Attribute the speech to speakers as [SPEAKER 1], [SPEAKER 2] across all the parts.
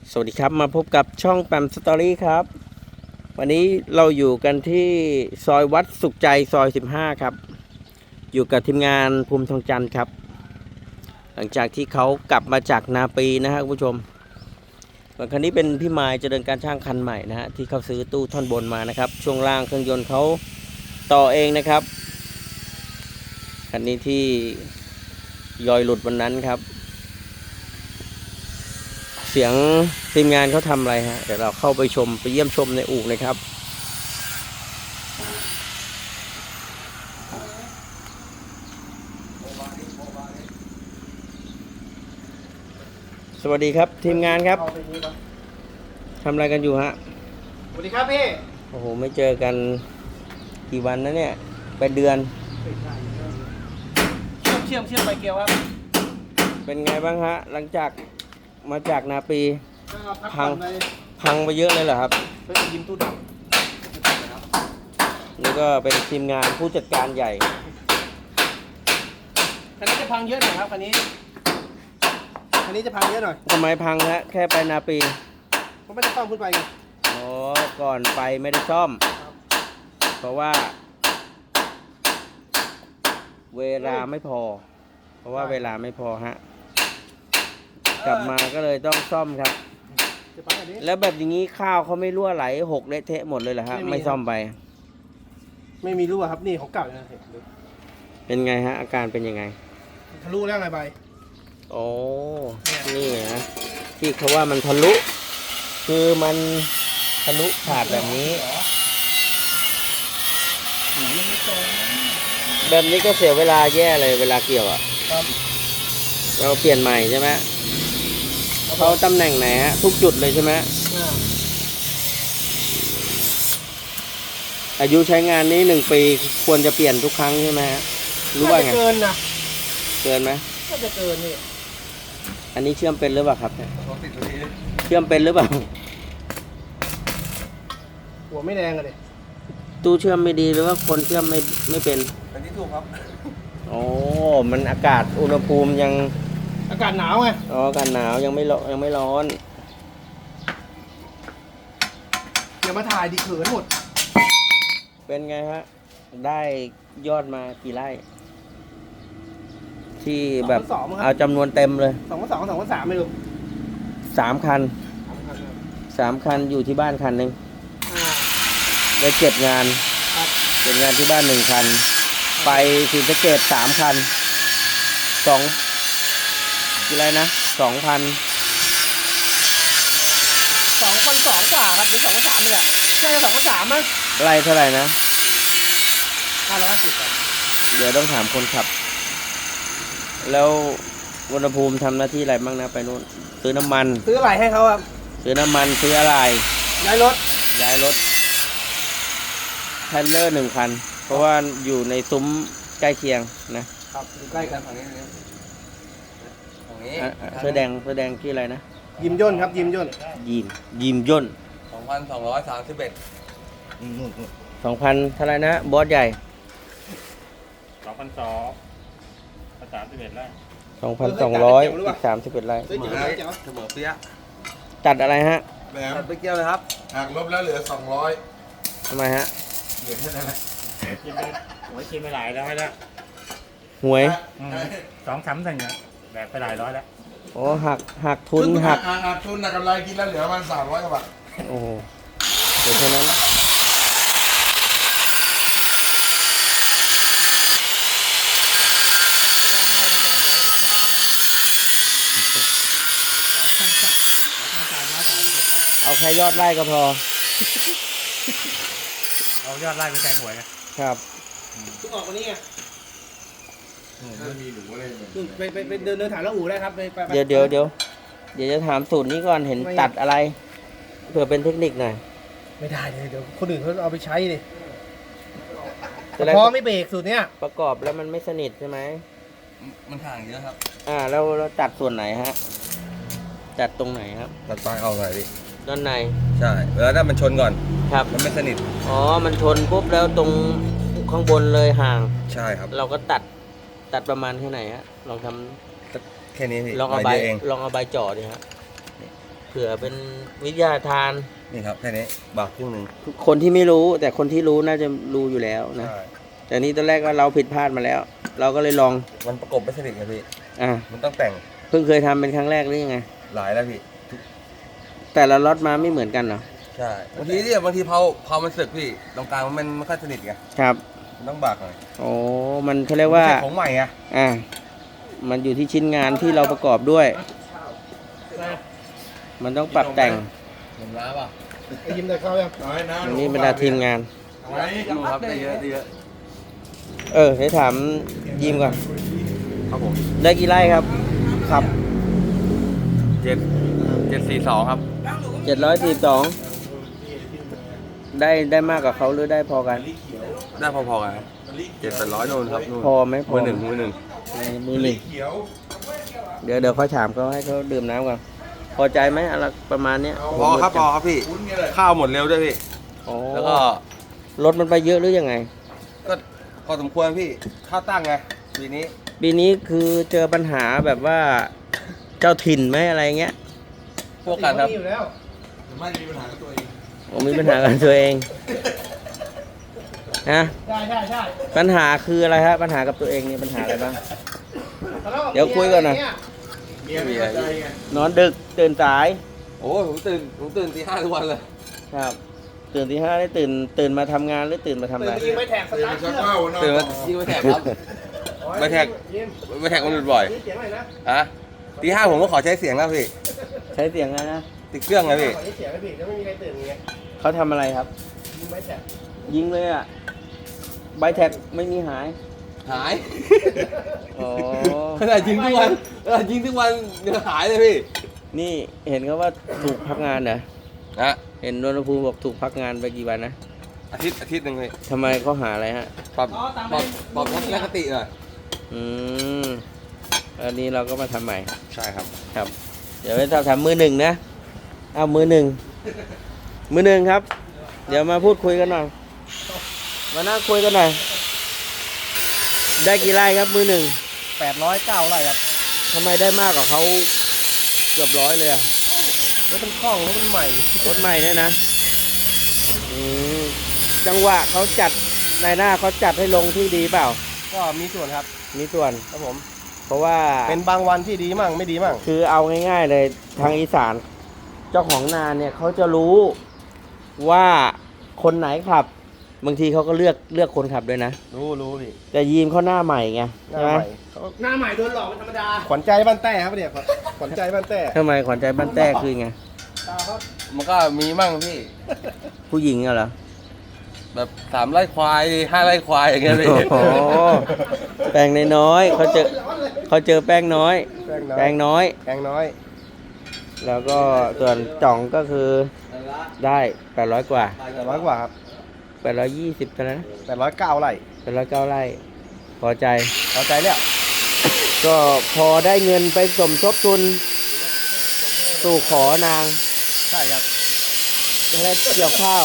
[SPEAKER 1] สวัสดีครับมาพบกับช่องแปมสตอรี่ครับวันนี้เราอยู่กันที่ซอยวัดสุขใจซอย15ครับอยู่กับทีมงานภูมิทองจันทร์ครับหลังจากที่เขากลับมาจากนาปีนะฮะคุณผู้ชมส่วนคันนี้เป็นพี่มายเจริญการช่างคันใหม่นะฮะที่เขาซื้อตู้ท่อนบนมานะครับช่วงล่างเครื่องยนต์เขาต่อเองนะครับคันนี้ที่ยอยหลุดวันนั้นครับเสียงทีมงานเขาทำอะไรฮะเดี๋ยวเราเข้าไปชมไปเยี่ยมชมในอู่เลยครับสวัสดีครับทีมงานครับทำอะไรกันอยู่ฮะ
[SPEAKER 2] สวัสดีครับพี่
[SPEAKER 1] โอ้โหไม่เจอกันกี่วันนะเนี่ยเป็นเดือน
[SPEAKER 2] เชื่อมไปเกลียวครับ
[SPEAKER 1] เป็นไงบ้างฮะหลังจากมาจากนาปีพังไปเยอะเลยเหรอครับ
[SPEAKER 2] เพื่อยิ้มตู้ดำ
[SPEAKER 1] นี่ก็เป็นทีมงานผู้จัดการใหญ่
[SPEAKER 2] คันนี้จะพังเยอะหน่อยครับคันนี้จะพังเยอะหน่อย
[SPEAKER 1] ทำไมพังฮะแค่ไปนาปี
[SPEAKER 2] เพราะไม่ได้ซ่อมขึ้นไป
[SPEAKER 1] อ๋อก่อนไปไม่ได้ซ่อมเพราะว่าเวลาไม่พอเวลาไม่พอฮะกลับมาก็เลยต้องซ่อมครับแล้วแบบอย่างนี้ข้าวเขาไม่รั่วไหลหกเละเทะหมดเลยเหรอฮะไม่ซ่อมไป
[SPEAKER 2] ไม่มีรั่วครับนี่ของเก่าเลยนะ
[SPEAKER 1] เป็นไงฮะอาการเป็นยังไง
[SPEAKER 2] ทะลุแล้วไงใบ
[SPEAKER 1] โอ้นี่นะที่เขาว่ามันทะลุคือมันทะลุขาดแบบนี้แบบนี้ก็เสียเวลาแย่เลยเวลาเกี่ยวอ่ะเราเปลี่ยนใหม่ใช่ไหมเขาตำแหน่งไหนฮะทุกจุดเลยใช่ไหมอายุใช้งานนี้1 ปีควรจะเปลี่ยนทุกครั้งใช่ไหมฮะรู้ว่าไง
[SPEAKER 2] เกินนะ
[SPEAKER 1] เกินไหม
[SPEAKER 2] ก็จะเกินนี่
[SPEAKER 1] อันนี้เชื่อมเป็นหรือเปล่าครับเชื่อมเป็นหรือเปล่า
[SPEAKER 2] หัวไม่แดงเลย
[SPEAKER 1] ตู้เชื่อมไม่ดีหรือว่าคนเชื่อมไม่เป็น
[SPEAKER 2] อันนี้ถูกครับ
[SPEAKER 1] โอ้มันอากาศอุณหภูมิยัง
[SPEAKER 2] อากาศหนาวไง
[SPEAKER 1] อ๋ออากาศหนาวยังไม่ร้อน
[SPEAKER 2] อย่ามาถ่ายดิเขินหมด
[SPEAKER 1] เป็นไงฮะได้ยอดมากี่ไร่ที่แบบเอาจำนวนเต็มเลย
[SPEAKER 2] 2,200 2,300ไม่รู้
[SPEAKER 1] 3 คันอยู่ที่บ้านคันหนึ่งได้7 งานที่บ้าน1 คันไปศรีสะเกษ3 คันกี่ไรนะ2,000
[SPEAKER 2] 2,200 กว่าครับหรือ2,300เลยน่าจะ2,300มั้ง
[SPEAKER 1] ไรเท่าไหร่นะ
[SPEAKER 2] 550ครับ
[SPEAKER 1] เดี๋ยวต้องถามคนขับแล้วอุณหภูมิทำหน้าที่อะไรบ้างนะไปนู่นซื้อน้ำมัน
[SPEAKER 2] ซื้ออะไรให้เขาครับ
[SPEAKER 1] ซื้อน้ำมันซื้ออะไร
[SPEAKER 2] ย้ายรถ
[SPEAKER 1] เทรลเลอร์1 คันเพราะว่าอยู่ในซุ้มใกล้เคียง
[SPEAKER 2] นะครับใกล้กันฝั่งนี้
[SPEAKER 1] เสื้อแดงที่อะไรนะ
[SPEAKER 2] ยิมย่นครับยิมย่น
[SPEAKER 1] 2,231 2,000เท่าไรนะบอสใหญ่
[SPEAKER 3] 2,231 ไร่
[SPEAKER 1] 2,200อีก31 ไร่
[SPEAKER 2] เสมอเปี้ย
[SPEAKER 1] ตัดอะไรฮะ
[SPEAKER 2] ตัดไปเกี่ยวเลยครับ
[SPEAKER 3] หากลบแล้วเหลือ200
[SPEAKER 1] ทำไมฮะ
[SPEAKER 3] เหลือแค่นั้นแหละ
[SPEAKER 4] กินไปหลายร้อยแล้ว
[SPEAKER 1] หวย
[SPEAKER 4] 2-3 เนี่ยแบบไปหลายร้อยแล้ว
[SPEAKER 1] โอ้หักทุนหัก
[SPEAKER 3] ทุนกำไรกินแล้วเหลือมัน300 กว่าบาท
[SPEAKER 1] โอ้เดี๋ยวเท่านั้นเอาแค่ยอดไร่ก็พอ
[SPEAKER 4] เอายอดไร่ไปแทนหวย
[SPEAKER 1] ครับ
[SPEAKER 2] ทุกออกวันนี้ไง
[SPEAKER 3] มีหนูอะไร
[SPEAKER 2] ไปเดินถ่ายแล้วอู่ได้ครับ
[SPEAKER 1] เดี๋ยวจะถามสูตรนี้ก่อนเห็นตัดอะไรเผื่อเป็นเทคนิคหน่อย
[SPEAKER 2] ไม่ได้เดี๋ยวคนอื่นเขาเอาไปใช้ดิพอไม่เบรกสูตรเนี้ย
[SPEAKER 1] ประกอบแล้วมันไม่สนิทใช่ไหม
[SPEAKER 3] มันห่างเยอะครับ
[SPEAKER 1] แล้วตัดส่วนไหนฮะตัดตรงไหนครับ
[SPEAKER 3] ตัดปลายเอาหน่อยดิ
[SPEAKER 1] ด้านใน
[SPEAKER 3] ใช่แล้วถ้ามันชนก่อน
[SPEAKER 1] ครับ
[SPEAKER 3] มันไม่สนิท
[SPEAKER 1] อ๋อมันชนปุ๊บแล้วตรงข้างบนเลยห่าง
[SPEAKER 3] ใช่ครับ
[SPEAKER 1] เราก็ตัดประมาณแค่ไหนฮะลองทำ
[SPEAKER 3] แค่นี้พี่
[SPEAKER 1] ลองเอาใบจ่อดิฮะเผื่อเป็นวิทยาทาน
[SPEAKER 3] นี่ครับแค่นี้บากครึ่งหนึ่ง
[SPEAKER 1] คนที่ไม่รู้แต่คนที่รู้น่าจะรู้อยู่แล้วนะ
[SPEAKER 3] ใช่
[SPEAKER 1] แต่นี่ตอนแรกก็เราผิดพลาดมาแล้ว เราก็เลยลอง
[SPEAKER 3] มันประกบไม่สนิทไงพี่
[SPEAKER 1] อ่ะ
[SPEAKER 3] มันต้องแต่ง
[SPEAKER 1] เพิ่งเคยทำเป็นครั้งแรกหรือยังไง
[SPEAKER 3] หลายแล้วพี่
[SPEAKER 1] แต่ละล็อตมาไม่เหมือนกันเหรอ
[SPEAKER 3] ใช่บางทีเนี่ยบางทีเผามันสึกพี่ตรงกลางมันไม่ค่อยสนิทไง
[SPEAKER 1] ครับ
[SPEAKER 3] มันต้องบากหน่อย
[SPEAKER 1] โอ้มันเขาเรียกว่า
[SPEAKER 3] ไม่ใช่ของใหม่ไง
[SPEAKER 1] อ่ะมันอยู่ที่ชิ้นงานที่เราประกอบด้วย มันต้องปรับแต่ง
[SPEAKER 3] เห็นล้าป่ะ
[SPEAKER 2] ไอ้ยิ้มได้เข้ายัง
[SPEAKER 1] อันนี้บรรดาทีมงาน
[SPEAKER 3] ดูครับได้เยอะได้เยอะ
[SPEAKER 1] ให้ถามยิมก่อน
[SPEAKER 3] ครับผม
[SPEAKER 1] ได้กี่ไร่ครับขับ
[SPEAKER 3] 742ครับ
[SPEAKER 1] 742ได้มากกว่าเขาหรือได้พอกัน
[SPEAKER 3] ได้พอๆกันครับ700-800นู่นครับนู่น
[SPEAKER 1] พอไหมพอ
[SPEAKER 3] มือหนึ่ง
[SPEAKER 1] มือหนึ่งเดี๋ยวเขาถามเขาให้เขาดื่มน้ำก่อนพอใจไหมอะไรประมาณเนี้ย
[SPEAKER 3] พอครับพี่ข้าวหมดเร็วด้วยพี่
[SPEAKER 1] อ๋อ
[SPEAKER 3] แล้วก็
[SPEAKER 1] รถมันไปเยอะหรือยังไง
[SPEAKER 3] ก็พอสมควรพี่ข้าวตั้งไงปีนี้
[SPEAKER 1] ปีนี้คือเจอปัญหาแบบว่าเจ้าถิ่นไหมอะไรเงี้ย
[SPEAKER 3] พวกกันครับ
[SPEAKER 2] มีอยู่แล้ว
[SPEAKER 1] ผมมีปัญหากับตัวเองนะ
[SPEAKER 2] ได้
[SPEAKER 1] ปัญหาคืออะไรฮะปัญหากับตัวเองนี่ปัญหาอะไรบ้าง เดี๋ยวคุยก่อนนะ
[SPEAKER 3] มีอะไรพี่
[SPEAKER 1] นอนดึกตื่นสาย
[SPEAKER 3] โอ้ยผมตื่นตี 5ทุกวันเลย
[SPEAKER 1] ครับ ตื่นตี 5ได้ตื่นมาทำงานหรือตื่นมาทำ
[SPEAKER 2] ตื่
[SPEAKER 1] อะ
[SPEAKER 2] น
[SPEAKER 1] ไร
[SPEAKER 2] ไปยิงไม่แท็กสตาร์ทเครื่อง
[SPEAKER 3] ตื่นมายิงไปแท็กครับ ไม่แท็ก
[SPEAKER 2] ยิ้ม
[SPEAKER 3] ไม่แท็กมันหลุดบ่อย
[SPEAKER 2] นี่เสียงอะไรนะ
[SPEAKER 3] ฮะตี 5ผมก็ขอใช้เสียงแล้วพี่
[SPEAKER 1] ใช้เสียงอะไรนะ
[SPEAKER 3] ติดเครื่องไงพี่
[SPEAKER 2] ขอนี่เสียงไม่ผิดแล้วไม่มีใครตื่นไง
[SPEAKER 1] เขาทำอะไรครับ
[SPEAKER 2] ยิงไม่แท็ก
[SPEAKER 1] ยิงเลยอ่ะใบแท็กไม่มีหาย
[SPEAKER 3] หาย
[SPEAKER 1] อ๋อ
[SPEAKER 3] ขนาดยิงทุกวันยิงทุกวันยังหายเลยพี่
[SPEAKER 1] นี่เห็นเขาว่าถูกพักงานเหรอ
[SPEAKER 3] นะ
[SPEAKER 1] เห็นนนทภูมิบอกถูกพักงานไปกี่วันนะ
[SPEAKER 3] อาทิตย์หนึ่งเลย
[SPEAKER 1] ทำไมเขาหาอะไรฮะ
[SPEAKER 3] ปรับทัศนคติหน่อย
[SPEAKER 1] อืมอันนี้เราก็มาทำใหม่
[SPEAKER 3] ใช่ครับ
[SPEAKER 1] ครับ เดี๋ยวไปทำมือหนึ่งนะ เอามือหนึ่งครับ เดี๋ยวมาพูดคุยกันหน่อย มานั่งคุยกันหน่อย ได้กี่ไร่ครับมือหนึ่ง
[SPEAKER 2] 809ไร่ครับ
[SPEAKER 1] ทำไมได้มากกว่าเขาเกือบ100เลยอะ
[SPEAKER 2] รถมันคล่องรถมันใหม่
[SPEAKER 1] รถใหม่เนี่ยนะอืมจังหวะเขาจัดในหน้าเขาจัดให้ลงที่ดีเปล่า
[SPEAKER 2] ก็มีส่วนครับ
[SPEAKER 1] มีส่วน
[SPEAKER 2] ครับผม
[SPEAKER 1] เพราะว่า
[SPEAKER 2] เป็นบางวันที่ดีมั่งไม่ดีมั่ง
[SPEAKER 1] คือเอาง่ายๆเลยทางอีสานเจ้าของนาเนี่ยเขาจะรู้ว่าคนไหนขับบางทีเขาก็เลือกคนขับด้วยนะ
[SPEAKER 2] รู้พี่
[SPEAKER 1] แต่ยีมเขาหน้าใหม่ไง
[SPEAKER 2] หน้า
[SPEAKER 1] ใช่ไหม
[SPEAKER 2] ใหม่หน้าใหม่โดนหลอกเป็นธรรมดา ขวัญใจบ้านแต้ครับเนี่ยขวัญใจบ้านแต้
[SPEAKER 1] ทำไมขวัญใจบ้านแต้คือไง
[SPEAKER 2] ตาครับ
[SPEAKER 3] มันก็มีมั่งพี่
[SPEAKER 1] ผู้หญิงอะเหรอ
[SPEAKER 3] แบบ3 ไร่ควาย 5 ไร่ควายอย่างเงี้ยพี่
[SPEAKER 1] โอ้โหแป้งน้อยๆเขาเจอแป้งน้อย
[SPEAKER 2] แป้งน้อย
[SPEAKER 1] แป้งน้อย
[SPEAKER 2] แป้งน้อย
[SPEAKER 1] แล้วก็ส่วนจ่องก็คือได้800กว่า
[SPEAKER 2] 800กว่าครับ
[SPEAKER 1] 820เท่านั้นนะ
[SPEAKER 2] 809ไร่
[SPEAKER 1] 809ไร่พอใจ
[SPEAKER 2] พอใจแล้ว
[SPEAKER 1] ก็พอได้เงินไปสมทบทุนสู่ขอนาง
[SPEAKER 2] ใช่ครับ
[SPEAKER 1] และเกี่ยวข้าว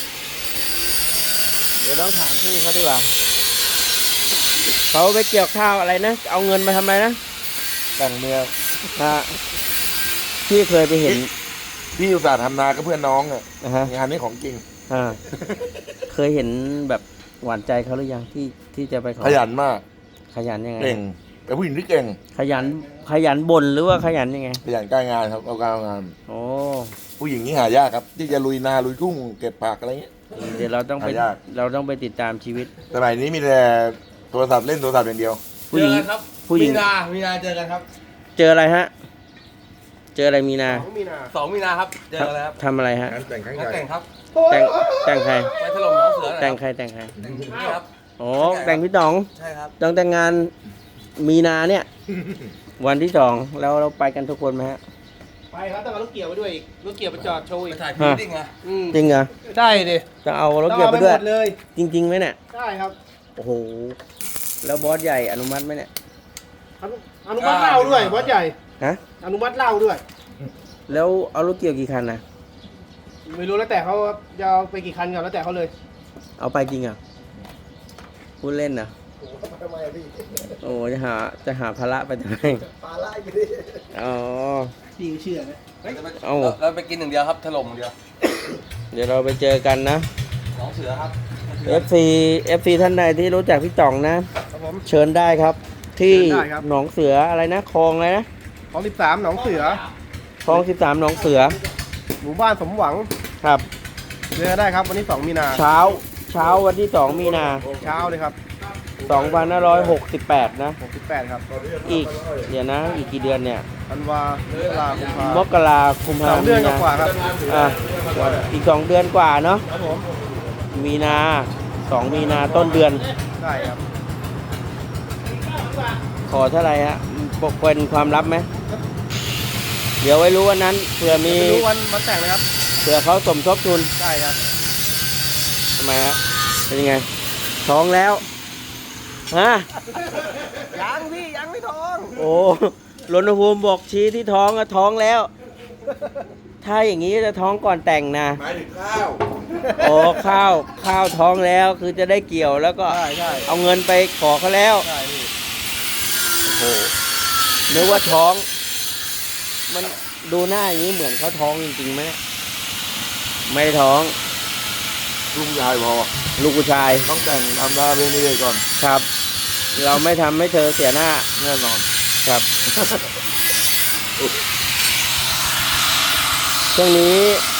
[SPEAKER 1] เดี๋ยวต้องถามพี่เขาดีกว่าเขาไปเกี่ยวข้าวอะไรนะ เอาเงินมาทำอะไรนะ
[SPEAKER 2] แต่งเมีย
[SPEAKER 1] ฮะพี่เคยไปเห็น
[SPEAKER 5] พี่อุตส่าห์ทำนากับเพื่อนน้องอ่ะ
[SPEAKER 1] นะฮะ
[SPEAKER 5] งานนี้ของจริง
[SPEAKER 1] อ่าเคยเห็นแบบหวานใจเขาหรือยังที่จะไปขอ
[SPEAKER 5] ขยันมาก
[SPEAKER 1] ขยันยังไง
[SPEAKER 5] เก่งเป็นผู้หญิงที่เก่ง
[SPEAKER 1] ขยันบ่นหรือว่าขยันยังไง
[SPEAKER 5] ขยันการงานครับเอาการเอางาน
[SPEAKER 1] โอ้
[SPEAKER 5] ผู้หญิงนี่หายากครับ ที่จะลุยนาลุยทุ่งเก็บผักอะไรเงี้ย
[SPEAKER 1] เดี๋ยวเราต้องไป
[SPEAKER 5] หายาก
[SPEAKER 1] ติดตามชีวิต
[SPEAKER 5] สมัยนี้มีแต่โทรศัพท์เล่นโทรศัพท์อย่างเดียว
[SPEAKER 1] ผู้หญิง
[SPEAKER 3] เจอกันครับ
[SPEAKER 1] ผู้หญิง
[SPEAKER 3] มีนาเจอกันครับ
[SPEAKER 1] เจออะไรฮะ เจออะไรมีนา
[SPEAKER 2] 2 มีนา
[SPEAKER 3] 2 มีนาครับ เจอกันแล้วครับ
[SPEAKER 1] ทำอะไรฮะ
[SPEAKER 5] งานแต่งครั้งให
[SPEAKER 3] งาน
[SPEAKER 5] ญ่
[SPEAKER 3] แต่งครับ
[SPEAKER 1] แต่งใคร
[SPEAKER 3] ไปถล่มน้องเสือหน่อย
[SPEAKER 1] แต่ง
[SPEAKER 3] ครับ
[SPEAKER 1] ใครแต่งใคร
[SPEAKER 3] แต่งนี่ครับ
[SPEAKER 1] โอ้แต่งพี่ต๋อง
[SPEAKER 3] ใช่ครับ
[SPEAKER 1] ต้องแต่งงานมีนาเนี่ย วันที่2แล้วเราไปกันทุกคนไหมฮะ
[SPEAKER 2] ไปครับต้องเอารถเกี่ยวไปด้วยอีกรถเกี่ยวไปจอดโชว์
[SPEAKER 3] ไป
[SPEAKER 2] อีก
[SPEAKER 3] ถ่ายพรีดิ้งอะ
[SPEAKER 1] จริงเหรอ
[SPEAKER 2] ได้ดิ
[SPEAKER 1] จะเอารถ
[SPEAKER 2] ต้อง
[SPEAKER 1] เกี่ยว
[SPEAKER 2] เอา
[SPEAKER 1] ไป
[SPEAKER 2] ไป
[SPEAKER 1] ด้
[SPEAKER 2] ห
[SPEAKER 1] วย
[SPEAKER 2] มดเลย
[SPEAKER 1] จริงๆไหมเนี่ย
[SPEAKER 2] ได้ครับ
[SPEAKER 1] โอ้โหแล้วบอสใหญ่อนุมัติไหมเนี่ย
[SPEAKER 2] อนุมัติเหล้าด้วยวัดใหญ่
[SPEAKER 1] ฮะ
[SPEAKER 2] อนุมัติเหล้าด้วย
[SPEAKER 1] แล้วเอารถเกี่ยวกี่คันนะ
[SPEAKER 2] ไม่รู้แล้วแต่เขาจะเอาไปกี่คันก่อนแล้วแต่เขาเลย
[SPEAKER 1] เอาไปจริงเหรอ่ะพูดเล่นนะ
[SPEAKER 2] ทำไมพี่
[SPEAKER 1] โอ้จะหาภาระไปทำไม
[SPEAKER 2] ปลาไล่ไปดิ
[SPEAKER 1] อ๋อ
[SPEAKER 2] พี่เชื่อไหม
[SPEAKER 1] เอ้า
[SPEAKER 3] เราไปกินอย่างเดียวครับถล่มอย่างเดียว
[SPEAKER 1] เดี๋ยวเราไปเจอกันนะ
[SPEAKER 3] หนองเสือครับ
[SPEAKER 1] FC ท่านใดที่รู้จักพี่จ่องนะ
[SPEAKER 2] ครับผม
[SPEAKER 1] เชิญได้ครับ ที่
[SPEAKER 2] เชิญได้ครับ
[SPEAKER 1] หนองเสืออะไรนะคลองอะไรนะ
[SPEAKER 2] ของ13หนองเสือ
[SPEAKER 1] คลอง13หนองเสือ
[SPEAKER 2] หมู่บ้านสมหวัง
[SPEAKER 1] ครับ
[SPEAKER 2] เจอได้ครับวันนี้2 มีนา
[SPEAKER 1] เช้าวันที่ 2 มีนา
[SPEAKER 2] เช้าเลยครับ
[SPEAKER 1] 2568 นะ
[SPEAKER 2] 68ครับ
[SPEAKER 1] อีกเดี๋ยวนะอีกกี่เดือนเนี่ย
[SPEAKER 2] ธันวามกราคม
[SPEAKER 1] มกราคม
[SPEAKER 2] 2 เดือนกว่าครับ
[SPEAKER 1] อ่ะอีก2 เดือนกว่าเนาะ
[SPEAKER 2] ครับผม
[SPEAKER 1] มีนา2 มีนาต้นเดือน
[SPEAKER 2] ได้ครับ
[SPEAKER 1] ขอเท่าไหร่ฮะปกเป็นความลับไหมเดี๋ยวไว้รู้วันนั้นเผื่อมี
[SPEAKER 2] ไม่รู้วันแต่งเลยครับ
[SPEAKER 1] เผื่อเขาสมทบทุน
[SPEAKER 2] ได้ครับ
[SPEAKER 1] ทำไมฮะเป็นยังไงท้องแล้วฮะ
[SPEAKER 2] ยังพี่ยังไม่ท้อง
[SPEAKER 1] โอ้รณภูมิบอกชี้ที่ท้องอะท้องแล้ว ถ้าอย่างนี้จะท้องก่อนแต่งนะ
[SPEAKER 5] หมายถึงข้าว
[SPEAKER 1] โอ้ข้าวท้องแล้วคือจะได้เกี่ยวแล้วก็
[SPEAKER 2] ใช่
[SPEAKER 1] เอาเงินไปขอเขาแล้ว
[SPEAKER 2] ใช่พี่
[SPEAKER 1] โอ้โหนึกว่าท้อง มันดูหน้าอย่างนี้เหมือนเขาท้องจริงๆไหมเนี่ยไม่ได้ท้อง
[SPEAKER 5] ลุงยายพอ
[SPEAKER 1] ลูกผู้ชาย
[SPEAKER 5] ต้องแต่งทำหน้าเรื่องนี้เลยก่อน
[SPEAKER 1] ครับ เราไม่ทำให้เธอเสียหน้า
[SPEAKER 5] แน่นอน
[SPEAKER 1] ครับ ช่วงนี้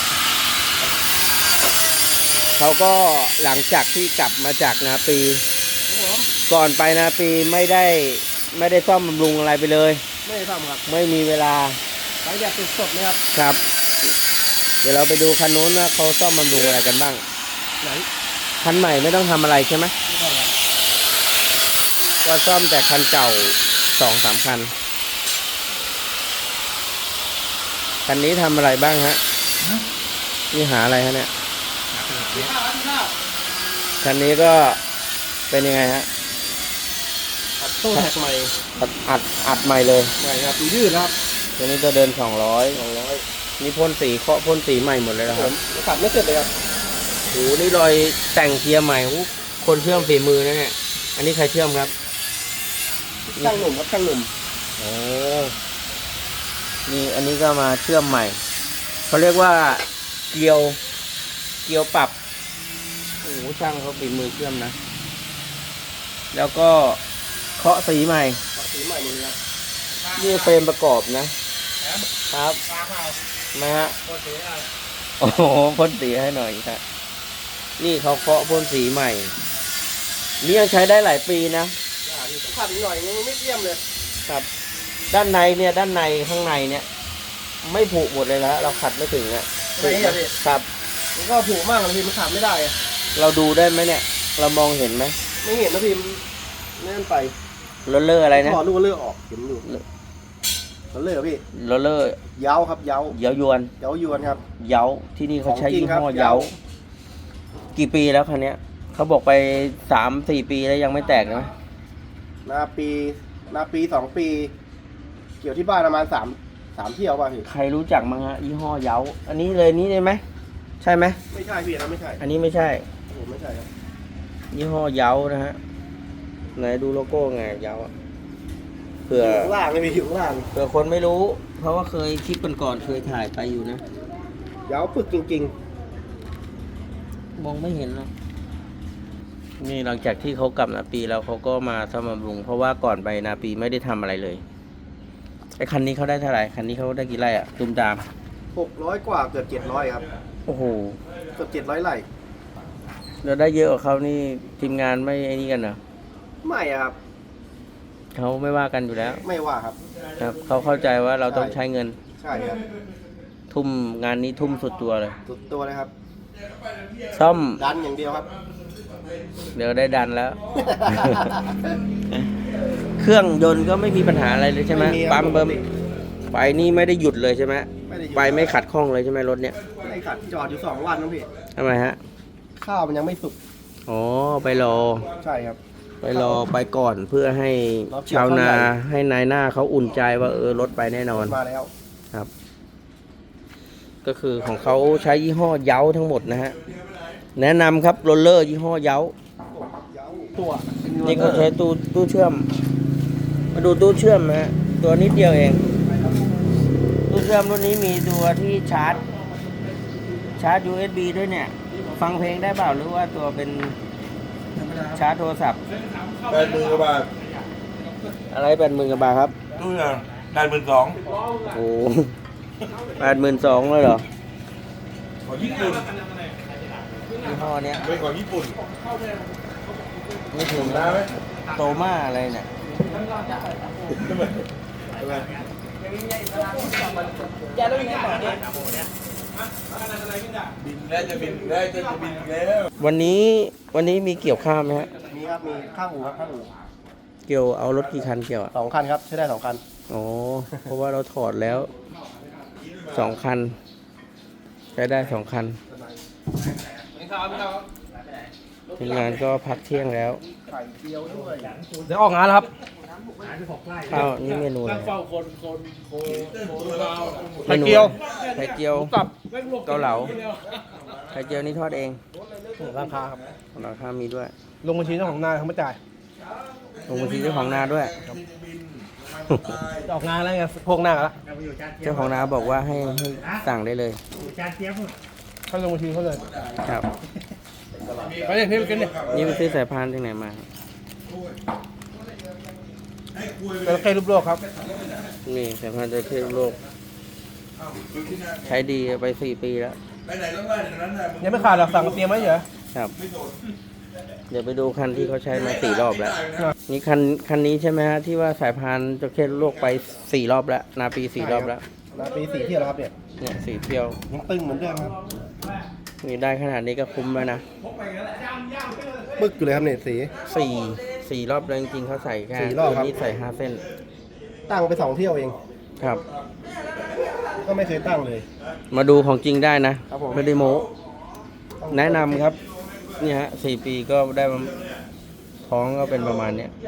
[SPEAKER 1] เขาก็หลังจากที่กลับมาจากนาปี ก่อนไปนาปีไม่ได้ซ่อมบำรุงอะไรไปเลย
[SPEAKER 2] ไม่ได้ทำครับ
[SPEAKER 1] ไม่มีเวลา
[SPEAKER 2] หลังจากสดๆเลยครับ
[SPEAKER 1] ครับ เดี๋ยวเราไปดูคันนู้นว่าเขาซ่อมบำรุงอะไรกันบ้าง
[SPEAKER 2] ไหน
[SPEAKER 1] คันใหม่ไม่ต้องทำอะไรใช่ไหม
[SPEAKER 2] ไม่ต้องครับ
[SPEAKER 1] ก็ซ่อมแต่คันเก่า2-3 คัน คันนี้ทำอะไรบ้างฮะนี่หาอะไรฮะเนี่ยคันนี้ก็เป็นยังไงฮะ
[SPEAKER 2] ตู้แท็กใหม่
[SPEAKER 1] อัดใหม่เลย
[SPEAKER 2] ใหม่ครับดูยืดนะครับ
[SPEAKER 1] ตัวนี้จะเดิน200นี่พ่นสีเคาะพ่นสีใหม่หมดเลยนะค
[SPEAKER 2] ผ
[SPEAKER 1] รับ
[SPEAKER 2] มขับไม่เสร็จเลยครับ
[SPEAKER 1] โหนี่รอยแต่งเกียร์ใหม่โหคนเชื่อมฝีมือนะเนี่ยอันนี้ใครเชื่อมครับ
[SPEAKER 2] ช่างหนุ่มครับช่างหนุ่ม
[SPEAKER 1] โอ้นี่อันนี้ก็มาเชื่อมใหม่เขาเรียกว่าเกลียวปรับโอ้โหช่างเขาฝีมือเชื่อมนะ แล้วก็เคาะสีใหม่
[SPEAKER 2] สีใหม่หมดเลยครับ
[SPEAKER 1] นี่เฟรมประกอบนะครับมาฮะโอ้โหพ่นสีให้หน่อยครับนี่เขาเคาะพ่นสีใหม่นี่ยังใช้ได้หลายปีนะ
[SPEAKER 2] ขับอีกหน่อยยังไม่เยี่ยมเลย
[SPEAKER 1] ครับ ด้านในเนี่ยด้านในข้างในเนี่ย ไม่ผุหมดเลยแล้วเราขัดไม่ถึงอ่ะ
[SPEAKER 2] ไม่เห็นเลย
[SPEAKER 1] ครับ
[SPEAKER 2] มันก็ผูกมากเลยพี่มันขับไม่ได้อะ
[SPEAKER 1] เราดูได้ไหมเนี่ย เรามองเห็นไหม
[SPEAKER 2] ไม่เห็นนะพี่มันแน่นไป
[SPEAKER 1] โรลเลอร์อะไรนะ
[SPEAKER 2] ถอดลูกเลือกออกเห็นอยู่เขาเลือกพี่
[SPEAKER 1] โรลเลอร์
[SPEAKER 2] เย้าครับเย้า
[SPEAKER 1] เย้ายวน
[SPEAKER 2] เย้ายวนครับ
[SPEAKER 1] เย้าที่นี่เขาใช้
[SPEAKER 2] ของจริง
[SPEAKER 1] ยี่ห้อ
[SPEAKER 2] ครับ
[SPEAKER 1] เย้า
[SPEAKER 2] เย้า
[SPEAKER 1] กี่ปีแล้วคันเนี้ยเขาบอกไป3-4 ปีแล้วยังไม่แตกนะ
[SPEAKER 2] นาปี2 ปี เกี่ยวที่บ้านประมาณ3 เที่ยวป่ะพี่
[SPEAKER 1] ใครรู้จักมั้งฮะยี่ห้อเย้าอันนี้เลยนี้ได้ไหมใช่ไหม
[SPEAKER 2] ไม่ใช่พี่นะไม่ใช่
[SPEAKER 1] อันนี้ไม่ใช่
[SPEAKER 2] ผมไม่ใช่ครับ
[SPEAKER 1] ยี่ห้อเย้านะฮะไหนดูโลโก้ไงเย้าอะเผื่อ
[SPEAKER 2] อยู่ข้างล่างเลยพี่อยู่ข้างล่าง
[SPEAKER 1] เผื่อคนไม่รู้ เพราะว่าเคยคลิปก่อนๆเคยถ่ายไปอยู่นะ
[SPEAKER 2] เย้าปึกจริง
[SPEAKER 1] มองไม่เห็นหรอกนี่หลังจากที่เขากลับนาปีแล้วเขาก็มาซ่อมบำรุง เพราะว่าก่อนไปนาปีไม่ได้ทำอะไรเลยไอ้คันนี้เขาได้เท่าไหร่คันนี้เขาได้กี่ไร่อะตุมตาม
[SPEAKER 2] ๆ600 กว่าเกือบ700ครับ
[SPEAKER 1] โอ้โห
[SPEAKER 2] เกือบ700ไร่
[SPEAKER 1] แล้วได้เยอะกว่าเขานี่ทีมงานไม่ไอ้นี่กันเหรอ
[SPEAKER 2] ไม่อะครับ
[SPEAKER 1] เขาไม่ว่ากันอยู่แล้ว
[SPEAKER 2] ไม่ว่าครับ
[SPEAKER 1] ครับเขาเข้าใจว่าเราต้องใช้เงิน
[SPEAKER 2] ใช่ครับ
[SPEAKER 1] ทุ่มงานนี้ทุ่มสุดตัวเลย
[SPEAKER 2] สุดตัวเลยครับ
[SPEAKER 1] ซ่อม
[SPEAKER 2] ดันอย่างเดียวครับ
[SPEAKER 1] เดี๋ยวได้ดันแล้ว เครื่องยนต์ก็ไม่มีปัญหาอะไรเลยใช่ไหม
[SPEAKER 2] ไม่มีครับ
[SPEAKER 1] ปั๊มเบิ้มไฟนี่ไม่ได้หยุดเลยใช่ไหม
[SPEAKER 2] ไม่ได้อยู่
[SPEAKER 1] ไฟไม่ขัดข้องเลยใช่ไหมรถเนี้ย
[SPEAKER 2] ไม่ขัดจอดอยู่2 วันนะพี่
[SPEAKER 1] ทำไมฮะ
[SPEAKER 2] ข้าวมันยังไม่สุก
[SPEAKER 1] อ๋อไปรอ
[SPEAKER 2] ใช่ครับ
[SPEAKER 1] ไปรอไปก่อนเพื่อให้
[SPEAKER 2] รอเกี่ยว
[SPEAKER 1] ชาวนา
[SPEAKER 2] ข้าวใหญ่
[SPEAKER 1] ให้นายหน้าเขาอุ่นใจว่ารถไปแน่นอน
[SPEAKER 2] มาแล้ว
[SPEAKER 1] ก็คือของเขาใช้ยี่ห้อเย้าทั้งหมดนะฮะแนะนำครับโรลเลอร์ยี่ห้อเย้า
[SPEAKER 2] ตัว
[SPEAKER 1] นี่ก็ใช้ตู้เชื่อม มาดูตู้เชื่อมนะฮะตัวนิดเดียวเองตู้เครื่องรุ่นนี้มีตัวที่ชาร์จ USB ด้วยเนี่ย ฟังเพลงได้เปล่าหรือว่าตัวเป็นชาร์จโทรศัพท์
[SPEAKER 5] 80,000 กว่าบาท
[SPEAKER 1] อะไร80,000 กว่าบาทครับ
[SPEAKER 5] ตู้อย่าง82,000
[SPEAKER 1] โอ้82,000เลยเหรอ
[SPEAKER 5] ของญี่ปุ่น
[SPEAKER 1] ยี่ห้อเนี้ย
[SPEAKER 5] เป็นของญี่ปุ่น
[SPEAKER 1] ไม่ถึง
[SPEAKER 5] ได้ไหม
[SPEAKER 1] โตมาอะไรเนี่ย
[SPEAKER 5] อะไร บินแล้วจะบินแล้วจะบินแล้ว
[SPEAKER 1] วันนี้มีเกี่ยวข้าวไหมฮะ
[SPEAKER 2] มีครับ มีข้างอู่ครับข้างอู่
[SPEAKER 1] เกี่ยวเอารถกี่คันเกี่ยวอ่ะ
[SPEAKER 2] 2 คันครับ ใช้ได้ 2 คัน
[SPEAKER 1] อ๋อ เพราะว่าเราถอดแล้ว2 คัน ใช้ได้2 คันทีมงานก็พักเที่ยงแล้ว
[SPEAKER 2] เดี๋ยวออกงานแล้วครับ
[SPEAKER 1] ข้าวนี่เมนูอะไร
[SPEAKER 2] ไข่เจียว
[SPEAKER 1] ไข่เจียว
[SPEAKER 2] กับ
[SPEAKER 1] เกาเหลาไข่เจียวนี่ทอดเอง
[SPEAKER 2] ราคาครับ
[SPEAKER 1] ราคามีด้วย
[SPEAKER 2] ลงบัญชีเจ้าของนาเขาไม่จ่าย
[SPEAKER 1] ลงบัญชีเจ้าของนาด้วย
[SPEAKER 2] จะออกงานแล้วไงพวกหน้าแล้ว
[SPEAKER 4] เราไปอยู่จานเจี๊ย
[SPEAKER 1] เจ้า
[SPEAKER 4] บ
[SPEAKER 1] ของนาบอกว่าให้สั่งได้เลย
[SPEAKER 4] อยู่จานเจี๊ยบหมด
[SPEAKER 2] เขาลงบัญชีเขาเลย
[SPEAKER 1] ครับ
[SPEAKER 2] ไปเลยพี่ไปกินดิ
[SPEAKER 1] นี่ไปซื้อสายพานที่ไหนมา
[SPEAKER 2] จระเข้รูปโลกครับ
[SPEAKER 1] นี่สายพานจะเที่ยวโลก ใช้ดีไป4 ปีแล้ว
[SPEAKER 5] ไปไหนต้องได้อย่างนั้นนะ
[SPEAKER 2] ยังไม่ขาดหรอกสั่งเตรียมไว้เฉย
[SPEAKER 1] ครับ เดี๋ยวไปดูคันที่เขาใช้มา4 รอบแล้ว นี่คันนี้ใช่ไหมฮะที่ว่าสายพานจะเที่ยวโลกไป4 รอบแล้ว นาปี4 รอบแล้ว
[SPEAKER 2] นะปี4 เที่ยวแล้วครับเนี่ย
[SPEAKER 1] เนี่ย4 เที่ยว
[SPEAKER 2] ยังตึงเหมือนเดิมครับ
[SPEAKER 1] นี่ได้ขนาดนี้ก็คุ้มแล้วนะ
[SPEAKER 2] ปึ๊กอยู่เลยครับเนี่ยสี
[SPEAKER 1] 4 รอบแล้วจริงๆเขาใส่แค่
[SPEAKER 2] 4 รอบครับ
[SPEAKER 1] ตัวนี้ใส่5 เส้น
[SPEAKER 2] ตั้งไป2 เที่ยวเอง
[SPEAKER 1] ครับ
[SPEAKER 2] ก็ไม่เคยตั้งเลย
[SPEAKER 1] มาดูของจริงได้นะครับ
[SPEAKER 2] ผม
[SPEAKER 1] ไม่ได้โม้แนะนำครับนี่ฮะ4 ปีก็ได้ท้องก็เป็นประมาณเนี้ย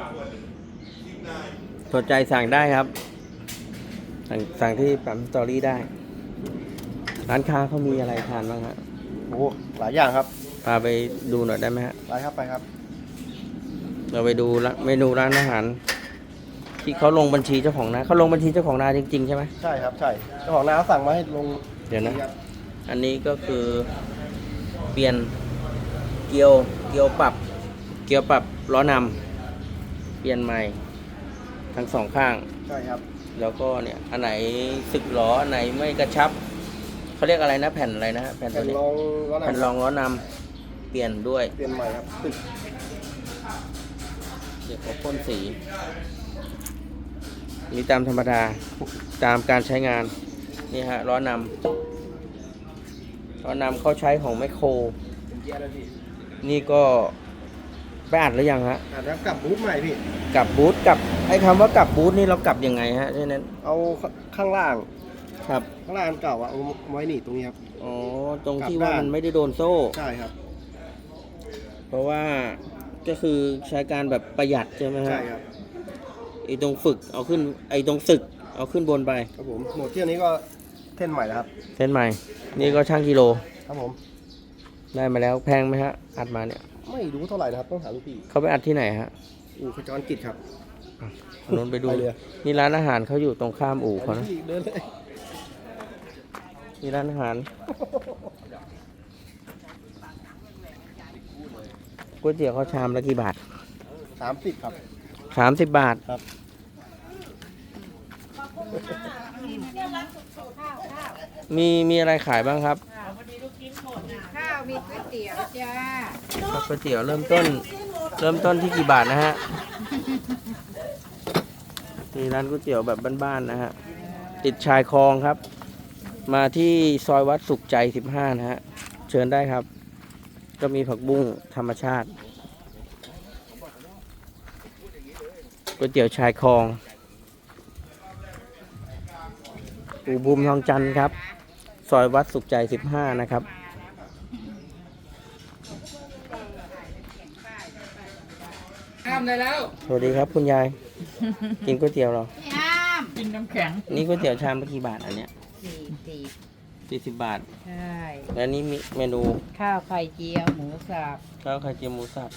[SPEAKER 1] สนใจสั่งได้ครับ สั่งที่ปั๊มสตอรี่ได้ ร้านค้าเขามีอะไรทานบ้างฮะ
[SPEAKER 2] โอ้หลายอย่างครับ
[SPEAKER 1] พาไปดูหน่อยได้ไหมฮะ
[SPEAKER 2] ไปครับไปครับ
[SPEAKER 1] เราไปดูเมนูร้านอาหาร ที่เขาลงบัญชีเจ้าของนาเขาลงบัญชีเจ้าของนาจริงๆใช่ไหม
[SPEAKER 2] ใช่ครับใช่เจ้าของนาเขาสั่งมาให้ลง
[SPEAKER 1] เดี๋ยวนะ
[SPEAKER 2] ครับ
[SPEAKER 1] อันนี้ก็คือเปลี่ยนเกียวปรับล้อนำเปลี่ยนใหม่ทั้ง2 ข้าง
[SPEAKER 2] ใช่ครับ
[SPEAKER 1] แล้วก็เนี่ยอันไหนสึกล้ออันไหนไม่กระชับเขาเรียกอะไรนะแผ่นอะไรนะฮะแผ่น
[SPEAKER 2] แผ่
[SPEAKER 1] ตัวน นี้
[SPEAKER 2] รองล้อห
[SPEAKER 1] แผ่นร
[SPEAKER 2] น้า
[SPEAKER 1] องล้อนำเปลี่ยนด้วย
[SPEAKER 2] เปลี่ยนใหม่ครับตึก
[SPEAKER 1] เดี๋ยวเขาพ่นสีนี่ตามธรรมดาตามการใช้งานนี่ฮะล้อนำเขาใช้ของแมคโคร
[SPEAKER 2] เป็นเกียร์แล้วพี่
[SPEAKER 1] นี่ก็ไปอัดหรือยังฮะ
[SPEAKER 2] อาจจะกลับบูธใหม่พี่
[SPEAKER 1] กลับบูธกลับไอ้คำว่ากลับบูธนี่เรากลับยังไงฮะที่นั้น
[SPEAKER 2] เอาข้างล่าง
[SPEAKER 1] ครับ
[SPEAKER 2] ข้างล่างเก่าอะเอาไว้หนีบตรงนี้ครับ
[SPEAKER 1] อ๋อตรงที่
[SPEAKER 2] กลับ
[SPEAKER 1] ว่า
[SPEAKER 2] ด้าน
[SPEAKER 1] มันไม่ได้โดนโซ่
[SPEAKER 2] ใช่ครับ
[SPEAKER 1] เพราะว่าก็คือใช้การแบบประหยัดใช่ไหมฮะ
[SPEAKER 2] ใช่ครับ
[SPEAKER 1] ไอ้ตรงฝึกเอาขึ้นไอ้ตรงศึกเอาขึ้นบนไป
[SPEAKER 2] ครับผมหมดเที่ยวนี้ก็เท่นใหม่แล้วครับ
[SPEAKER 1] เส้นใหม่ นี่ก็ช่างกิโล
[SPEAKER 2] ครับผม
[SPEAKER 1] ได้มาแล้วแพงไหมฮะอัดมาเนี่ย
[SPEAKER 2] ไม่รู้เท่าไหร่นะครับต้องถามลูกพี่
[SPEAKER 1] เขาไปอัดที่ไหนฮะ
[SPEAKER 2] อู่ขจรกิจครับ
[SPEAKER 1] ถนนไปดู
[SPEAKER 2] ไปเลย
[SPEAKER 1] นี่ร้านอาหารเขาอยู่ตรงข้ามอู่เขานะ
[SPEAKER 2] พี่เดินเลย
[SPEAKER 1] นี่ร้านอาหารก๋วยเตี๋ยวเขาชามละกี่บาท
[SPEAKER 2] 30ครับ
[SPEAKER 1] 30 บาท
[SPEAKER 2] ครับ
[SPEAKER 1] มีอะไรขายบ้างครับ
[SPEAKER 6] ข้าวมีก๋วยเตี๋ยวจ้า
[SPEAKER 1] ก๋วยเตี๋ยวเริ่มต้นที่กี่บาทนะฮะนี่ร้านก๋วยเตี๋ยวแบบบ้านๆนะฮะติดชายคลองครับ มาที่ซอยวัดสุขใจ15นะฮะเชิญได้ครับ ก็มีผักบุ้งธรรมชาติก๋วยเตี๋ยวชายคลองอู่บูมทองจันทร์ครับ ซอยวัดสุขใจ15นะครับสวัสดีครับคุณยาย กินก๋วยเตี๋ยวเหรอ
[SPEAKER 6] พี่ห้ามกินน้ำแข็ง
[SPEAKER 1] นี่ก๋วยเตี๋ยวชามละกี่บาทอันเนี้ย
[SPEAKER 6] 40
[SPEAKER 1] 40 บาท
[SPEAKER 6] ใช่
[SPEAKER 1] แล้วนี่มีเมนู
[SPEAKER 6] ข้าวไข่เจียวหมูสับ
[SPEAKER 1] ข้าวไข่เจียวหมูสับ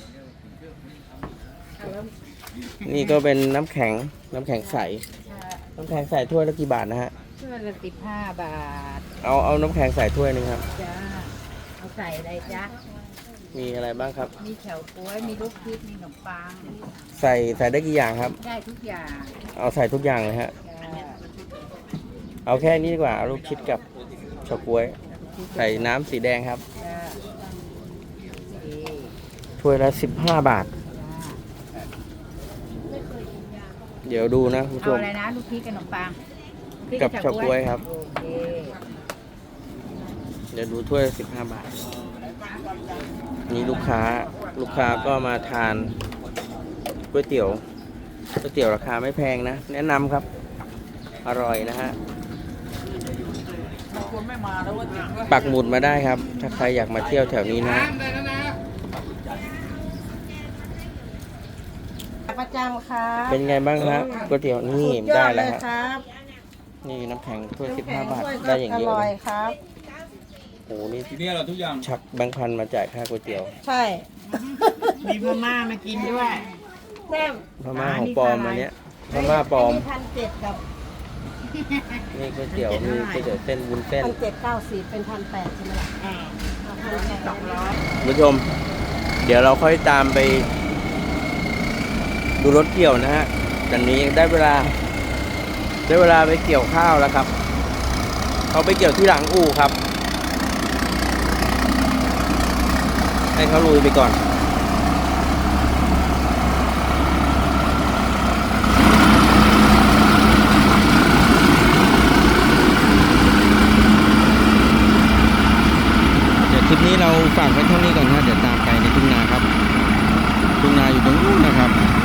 [SPEAKER 1] นี่ก็เป็นน้ำแข็งใสน้ำแข็งใส่ถ้วยละกี่บาทนะฮะ
[SPEAKER 6] ช่วยละ15 บาท
[SPEAKER 1] เอาน้ำแข็งใส่ถ้วยหนึงครับ
[SPEAKER 6] จ้าเอาใส่อะไรจ๊ะ
[SPEAKER 1] มีอะไรบ้างครับ
[SPEAKER 6] มีเฉาก๊วยมีลูกพริกมีขนมปัง
[SPEAKER 1] ใส่ได้กี่อย่างครับ
[SPEAKER 6] ได้ทุกอย่าง
[SPEAKER 1] เอาใส่ทุกอย่างเลยฮะ
[SPEAKER 6] จ้า
[SPEAKER 1] เอาแค่นี้ดีกว่า เอาลูกชิดกับเฉาก๊วย ใส่น้ำสีแดงครับ
[SPEAKER 6] จ้าโอเค
[SPEAKER 1] ถ้วยละ15 บาท
[SPEAKER 6] จ้า
[SPEAKER 1] เดี๋ยวดูนะคุณผู้ช
[SPEAKER 6] เอา
[SPEAKER 1] ม
[SPEAKER 6] อะไรนะลูกพริกกับขนมปังพริ
[SPEAKER 1] กับเฉาก๊วยครับ
[SPEAKER 6] โอเค
[SPEAKER 1] เดี๋ยวดูถ้วยละ15 บาท นี่ลูกค้าก็มาทานก๋วยเตี๋ยวราคาไม่แพงนะ แนะนำครับ อร่อยนะฮะปักหมุดมาได้ครับ ถ้าใครอยากมาเที่ยวแถวนี้นะ
[SPEAKER 7] ประจำครับ
[SPEAKER 1] เป็นไงบ้างฮะก๋วยเตี๋ยวนี่
[SPEAKER 7] สุยอ
[SPEAKER 1] ได้
[SPEAKER 7] เล
[SPEAKER 1] แล้ว
[SPEAKER 7] ย
[SPEAKER 1] ฮะ
[SPEAKER 7] ครับ
[SPEAKER 1] นี่น้ำแข็งถ้วย
[SPEAKER 7] น้ำแข็ง
[SPEAKER 1] 15 บาท
[SPEAKER 7] ถ้วยก็
[SPEAKER 1] ได้อย่าง
[SPEAKER 7] อ
[SPEAKER 1] เดียว
[SPEAKER 7] ร่อ
[SPEAKER 1] เลย ย
[SPEAKER 7] ครับ
[SPEAKER 1] โอ้โหนี่
[SPEAKER 3] ทีนี้เราทุกอย่าง
[SPEAKER 1] ชักแบงค์พันมาจ่ายค่าก๋วยเตี๋ยว
[SPEAKER 7] ใช่
[SPEAKER 6] มีมาม่ามากินด้วย
[SPEAKER 7] แซ่บ
[SPEAKER 1] พม่าของปลอมอันเนี้ยพม่าปลอม
[SPEAKER 7] 1,700กับ
[SPEAKER 1] นี่ก๋วยเตี๋ยวมีก๋วยเตี๋ยวเส้นวุ้นเส้น
[SPEAKER 7] 1,790เป็น1,800ใช่ไหมล่ะ1,800
[SPEAKER 1] คุณผู้ชม เดี๋ยวเราค่อยตามไปดูรถเกี่ยวนะฮะตอนนี้ได้เวลาไปเกี่ยวข้าวแล้วครับ เขาไปเกี่ยวที่หลังอู่ครับ ให้เขาลุยไปก่อน เดี๋ยวคลิปนี้เราฝากไว้เท่านี้ก่อนนะเดี๋ยวตามไปในทุ่งนาครับ ทุ่งนาอยู่ตรงนู้นนะครับ